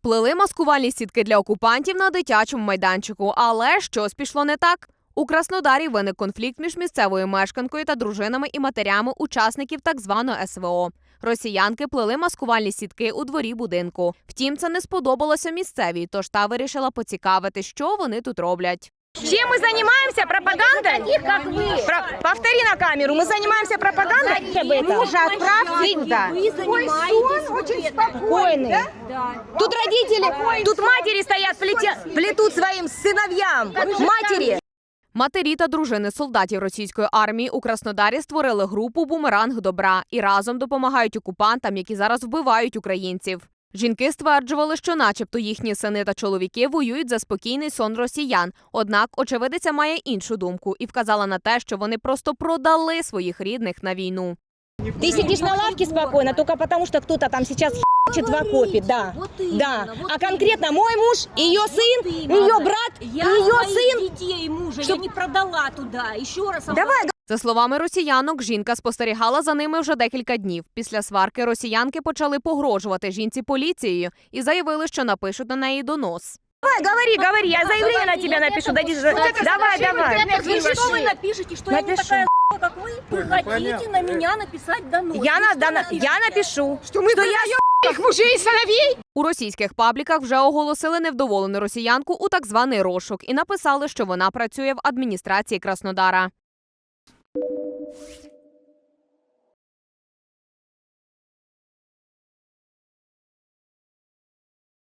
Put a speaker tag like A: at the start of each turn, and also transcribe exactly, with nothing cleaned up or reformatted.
A: Плели маскувальні сітки для окупантів на дитячому майданчику. Але щось пішло не так. У Краснодарі виник конфлікт між місцевою мешканкою та дружинами і матерями учасників так званого ес ве о. Росіянки плели маскувальні сітки у дворі будинку. Втім, це не сподобалося місцевій, тож та вирішила поцікавити, що вони тут роблять.
B: Чем мы занимаемся? Пропагандой? Таких, как вы. Про... Повтори на камеру. Мы занимаемся пропагандой?
C: Мужа отправьте туда.
B: Вы занимаетесь очень спокойный. Да? Да. Тут родители, тут матери стоят, плетя... плетут своим сыновьям. Матери.
A: Матері та дружини солдатів російської армії у Краснодарі створили групу «Бумеранг добра» і разом допомагають окупантам, які зараз вбивають українців. Жінки стверджували, що начебто їхні сини та чоловіки воюють за спокійний сон росіян. Однак очевидиця має іншу думку і вказала на те, що вони просто продали своїх рідних на війну.
B: Ты сидишь на лавке спокойно, только потому что кто-то там сейчас х**чет в окопе, да. Да. А конкретно мой муж, ее сын, ее брат, ее сын.
D: Детей мужа я не продала туда. Еще раз.
B: Давай.
A: За словами росіянок, жінка спостерігала за ними вже декілька днів. Після сварки росіянки почали погрожувати жінці поліцією і заявили, що напишуть на неї донос.
B: Давай, говори, говори, я заявление на тебя напишу. Дай, давай, давай.
D: Вы что вы напишете, что
B: Напишу.
D: я не такая как вы? Вы хотите на меня написать донос.
B: Я, на, да, на- я напишу, что, что я их мужей и сыновей.
A: У російських пабліках вже оголосили невдоволену росіянку у так званий розшук і написали, що вона працює в адміністрації Краснодара.